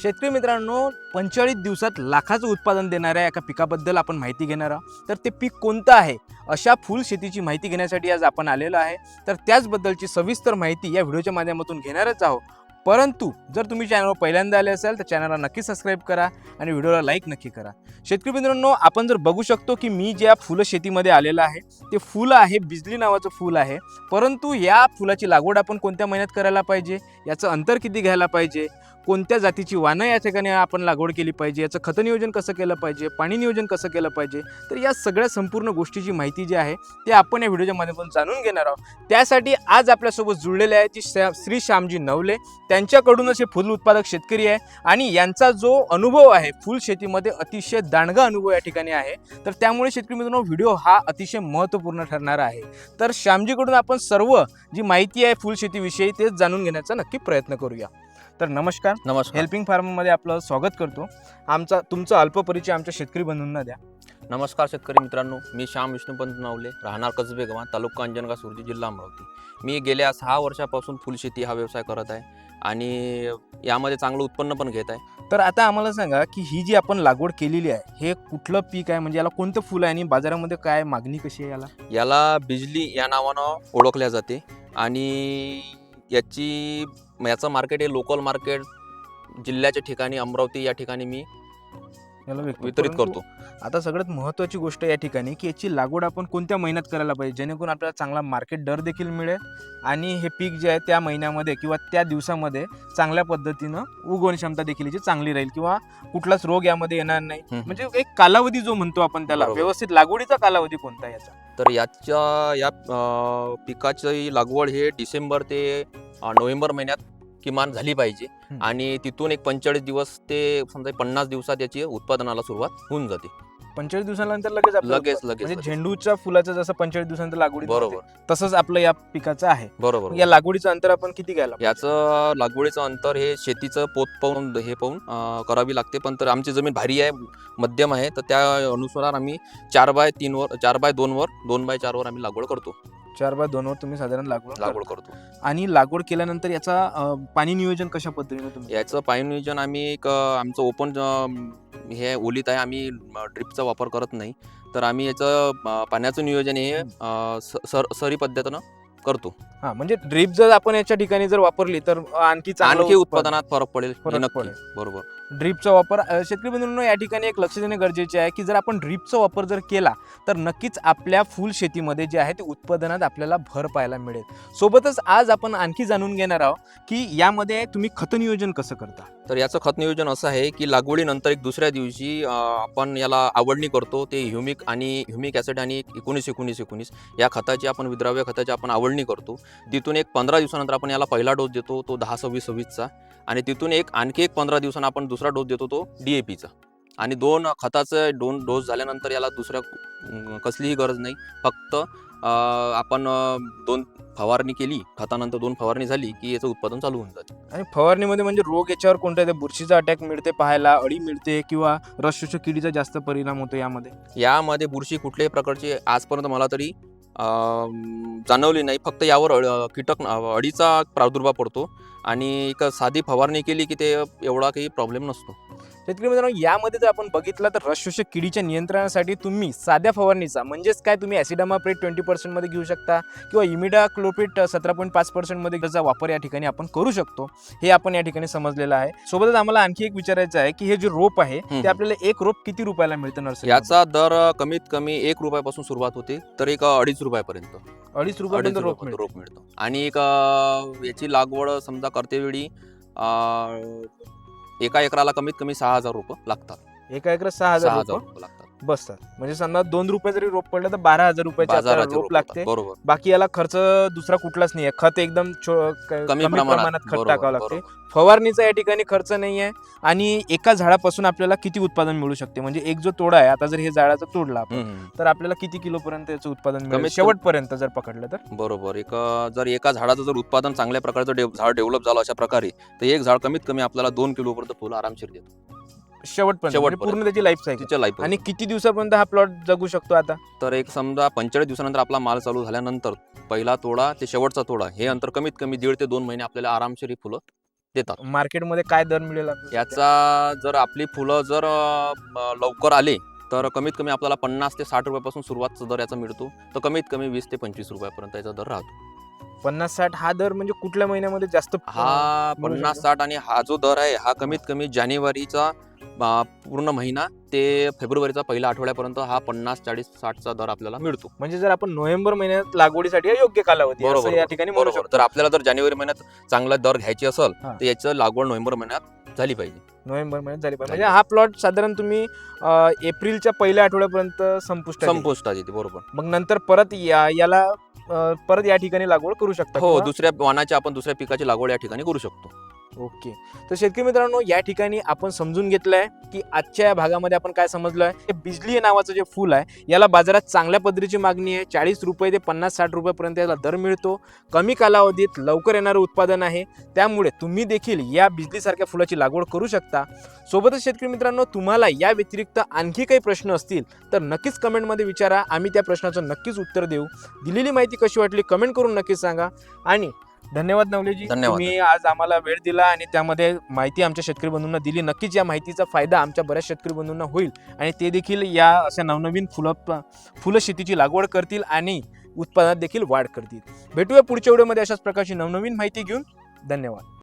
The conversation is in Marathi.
शेतकरी मित्रांनो, 45 दिवसात लाखाचं उत्पादन देणाऱ्या एका पिकाबद्दल आपण माहिती घेणार आहोत. तर ते पीक कोणतं आहे, अशा फुल शेतीची माहिती घेण्यासाठी आज आपण आलेलो आहे. तर त्याचबद्दलची सविस्तर माहिती या व्हिडिओच्या माध्यमातून घेणारच आहोत. परंतु जर तुम्ही चॅनलवर पहिल्यांदा आले असाल तर चॅनलला नक्की सबस्क्राईब करा आणि व्हिडिओला लाईक नक्की करा. शेतकरी मित्रांनो, आपण जर बघू शकतो की मी ज्या फुलं शेतीमध्ये आलेलं आहे ते फुलं आहे बिजली नावाचं फुल आहे. परंतु या फुलाची लागवड आपण कोणत्या महिन्यात करायला पाहिजे, याचं अंतर किती घ्यायला पाहिजे, कोणत्या जातीची वानं या ठिकाणी आपण लागवड केली पाहिजे, याचं खत नियोजन कसं केलं पाहिजे, पाणी नियोजन कसं केलं पाहिजे, तर या सगळ्या संपूर्ण गोष्टीची माहिती जी आहे ते आपण या व्हिडिओच्या माध्यमातून जाणून घेणार आहोत. त्यासाठी आज आपल्यासोबत जुळलेले आहे ती श्री श्यामजी नवले. त्यांच्याकडूनच हे फुल उत्पादक शेतकरी आहे आणि यांचा जो अनुभव आहे फुल शेतीमध्ये अतिशय दांडगा अनुभव या ठिकाणी आहे. तर त्यामुळे शेतकरी मित्रांनो, व्हिडिओ हा अतिशय महत्त्वपूर्ण ठरणार आहे. तर श्यामजीकडून आपण सर्व जी माहिती आहे फुल शेतीविषयी तेच जाणून घेण्याचा नक्की प्रयत्न करूया. तर नमस्कार. हेल्पिंग फार्ममध्ये आपलं स्वागत करतो. तुमचा अल्प परिचय आमच्या शेतकरी बंधूंना द्या. नमस्कार शेतकरी मित्रांनो, मी श्याम विष्णुपंत नवले, राहणार कसबे गाव, तालुका अंजनगाव, सुरजी, जिल्हा अमरावती. मी गेल्या 6 वर्षापासून फुलशेती हा व्यवसाय करत आहे आणि यामध्ये चांगलं उत्पन्न पण घेत आहे. तर आता आम्हाला सांगा की ही जी आपण लागवड केलेली आहे हे कुठलं पीक आहे, म्हणजे याला कोणतं फुल आहे आणि बाजारामध्ये काय मागणी कशी आहे याला बिजली या नावानं ओळखल्या जाते आणि याचं मार्केट हे लोकल मार्केट जिल्ह्याच्या ठिकाणी अमरावती या ठिकाणी मी याला वितरित करतो. आता सगळ्यात महत्त्वाची गोष्ट या ठिकाणी की याची लागवड आपण कोणत्या महिन्यात करायला पाहिजे, जेणेकरून आपल्याला चांगला मार्केट दर देखील मिळेल आणि हे पीक जे आहे त्या महिन्यामध्ये किंवा त्या दिवसामध्ये चांगल्या पद्धतीनं उगवण क्षमता देखील याची चांगली राहील किंवा कुठलाच रोग यामध्ये येणार नाही. म्हणजे एक कालावधी जो म्हणतो आपण त्याला, व्यवस्थित लागवडीचा कालावधी कोणता याचा? तर या पिकाची लागवड हे डिसेंबर ते नोव्हेंबर महिन्यात किमान झाली पाहिजे आणि तिथून एक 45 दिवस ते समजा 50 दिवसात याची उत्पादनाला सुरुवात होऊन जाते. 45 दिवसानंतर लगेच म्हणजे झेंडूच्या फुलाचं जसं 45 दिवसानंतर लागवड बरोबर तसंच आपलं या पिकाचं आहे. बरोबर. या लागवडीचं अंतर आपण किती घ्यायला? याचं लागवडीचं अंतर हे शेतीचं पोत पाहून करावी लागते. पण तर आमची जमीन भारी आहे, मध्यम आहे, तर त्या अनुसार आम्ही 4x3 वर 4x2 वर 2x4 वर आम्ही लागवड करतो. 4x2 वर तुम्ही साधारण लागवड करतो. आणि लागवड केल्यानंतर याचा पाणी नियोजन कशा पद्धतीने तुम्ही? याचं पाणी नियोजन आम्ही आमचं ओपन हे ओलीत आहे, आम्ही ड्रिपचा वापर करत नाही. तर आम्ही याचं पाण्याचं नियोजन हे सरी पद्धतीनं करतो. म्हणजे ड्रिप जर आपण याच्या ठिकाणी जर वापरली तर आणखी उत्पादनात फरक पडेल. बरोबर. ड्रिपचा वापर शेतकरी बंधूंनो या ठिकाणी एक लक्ष देणे गरजेचे आहे की जर आपण ड्रिपचा वापर जर केला तर नक्कीच आपल्या फुल शेतीमध्ये जे आहे ते उत्पादनात आपल्याला भर पाहायला मिळेल. सोबतच आज आपण आणखी जाणून घेणार आहोत की यामध्ये तुम्ही खत नियोजन कसं करता. तर याचं खत नियोजन असं आहे की लागवडीनंतर एक दुसऱ्या दिवशी आपण याला आवडणी करतो. ते ह्युमिक ॲसिड आणि 19-19-19 या खताची आपण विद्राव्य खताची आपण आवडणी करतो. तिथून एक 15 दिवसानंतर आपण याला पहिला डोस देतो, तो 10-26-26चा, आणि तिथून आणखी एक 15 दिवसांना आपण दुसरा डोस देतो, तो DAPचा. आणि 2 खताचे 2 डोस झाल्यानंतर याला दुसऱ्या कसलीही गरज नाही. फक्त आपण 2 फवारणी केली, खतानंतर 2 फवारणी झाली की याचं उत्पादन चालू होऊन जाते. आणि फवारणीमध्ये म्हणजे रोग याच्यावर कोणत्या ते बुरशीचा अटॅक मिळते पाहायला, अळी मिळते किंवा रस शोषक किडीचा जास्त परिणाम होतो यामध्ये बुरशी कुठल्याही प्रकारची आजपर्यंत मला तरी जाणवली नाही. फक्त यावर अळीचा प्रादुर्भाव पडतो आणि एक साधी फवारणी केली की ते एवढा काही प्रॉब्लेम नसतो. शेतकरी मित्रांनो, यामध्ये जर आपण बघितलं तर रस शोषक किडीच्या नियंत्रणासाठी तुम्ही साध्या फवारणीचा म्हणजेच काय तुम्ही ॲसिडामाप्रिड 20% मध्ये घेऊ शकता किंवा इमिडाक्लोप्रिड 17.5% मध्ये त्याचा वापर या ठिकाणी आपण करू शकतो. हे आपण या ठिकाणी समजलेलं आहे. सोबतच आम्हाला आणखी एक विचारायचं आहे की हे जे रोप आहे ते आपल्याला एक रोप किती रुपयाला मिळतं नर्सरी? याचा दर कमीत कमी 1 रुपयापासून सुरुवात होते तर एक 2.5 रुपयापर्यंत 2.5 रुपयापर्यंत रोप मिळतो. आणि याची लागवड समजा करतेवेळी एका एकराला कमीत कमी 6,000 रुपये लागतात. एका एकरात 6,000 रुपये लागतात बसतात. म्हणजे समजा 2 रुपये जरी रोप पडलं तर 12,000 रुपयाचे रोप लागते. बरोबर. बाकी याला खर्च दुसरा कुठलाच नाही आहे. खत एकदम कमी प्रमाणात खत टाकावं लागते. फवारणीचा या ठिकाणी खर्च नाही आहे. आणि एका झाडापासून आपल्याला किती उत्पादन मिळू शकते, म्हणजे एक जो तोडा आहे, आता जर हे झाडाचा तोडला आपण तर आपल्याला किती किलोपर्यंत याचं उत्पादन मिळेल शेवटपर्यंत जर पकडलं तर? बरोबर. जर एका झाडाचं जर उत्पादन चांगल्या प्रकारचं झाड डेव्हलप झालं अशा प्रकारे तर एक झाड कमीत कमी आपल्याला 2 किलोपर्यंत फुलं आरामशीर देतो शेवटपर्यंत, पूर्ण त्याची लाईफ सायकल. आणि किती दिवसापर्यंत हा प्लॉट जगू शकतो आता? तर एक समजा 45 दिवसानंतर आपला माल चालू झाल्यानंतर पहिला तोडा ते शेवटचा तोडा हे अंतर कमीत कमी 1.5 ते 2 महिने आपल्याला आरामशीर फुलं देतात. मार्केटमध्ये काय दर मिळेल आपल्याला? याचा जर आपली फुलं जर लवकर आले तर कमीत कमी आपल्याला 50 ते 60 रुपयापासून सुरुवात दर याचा मिळतो. तर कमीत कमी 20 ते 25 रुपयापर्यंत याचा दर राहतो. 50-60 हा दर म्हणजे कुठल्या महिन्यामध्ये जास्त हा मिळू 50-60 आणि हा जो दर आहे हा कमीत कमी जानेवारीचा पूर्ण महिना ते फेब्रुवारीचा पहिल्या आठवड्यापर्यंत हा 50-40-60चा दर आपल्याला मिळतो. म्हणजे जर आपण नोव्हेंबर महिन्यात लागवडीसाठी हा योग्य कालावधी आहे, असं बरोबर या ठिकाणी म्हणू बरोबर. शकतो. तर आपल्याला जर जानेवारी महिन्यात चांगला दर घ्यायची असेल हा. तर याचं लागवड नोव्हेंबर महिन्यात झाली पाहिजे. नोव्हेंबर महिन्यात झाली पाहिजे. झाली. म्हणजे हा प्लॉट साधारण तुम्ही एप्रिलच्या पहिल्या आठवड्यापर्यंत संपुष्टात येईल. संपुष्टात येते बरोबर. मग नंतर परत याला परत या ठिकाणी लागवड करू शकता हो, किंवा- दुसऱ्या वाणाची आपण दुसऱ्या पिकाची लागवड या ठिकाणी करू शकतो. ओके. तर शेतकरी मित्रांनो, या ठिकाणी आपण समजून घेतलंय की आजच्या या भागामध्ये आपण काय समजलोय, हे बिजली नावाचं जे फूल आहे याला बाजारात चांगल्या पद्धतीची मागणी आहे. 40 रुपये ते 50-60 रुपयापर्यंत याला दर मिळतो. कमी कालावधीत लवकर येणारं उत्पादन आहे. त्यामुळे तुम्ही देखील या बिजलीसारख्या फुलाची लागवड करू शकता. सोबतच शेतकरी मित्रांनो, तुम्हाला या व्यतिरिक्त आणखी काही प्रश्न असतील तर नक्कीच कमेंटमध्ये विचारा. आम्ही त्या प्रश्नाचं नक्कीच उत्तर देऊ. दिलेली माहिती कशी वाटली कमेंट करून नक्कीच सांगा. आणि धन्यवाद नवलेजी, धन्यवाद. तुम्ही आज आम्हाला वेळ दिला आणि त्यामध्ये माहिती आमच्या शेतकरी बंधूंना दिली. नक्कीच या माहितीचा फायदा आमच्या बऱ्याच शेतकरी बंधूंना होईल आणि ते देखील या अशा नवनवीन फुलं शेतीची लागवड करतील आणि उत्पादनात देखील वाढ करतील. भेटूया पुढच्या व्हिडिओमध्ये अशाच प्रकारची नवनवीन माहिती घेऊन. धन्यवाद.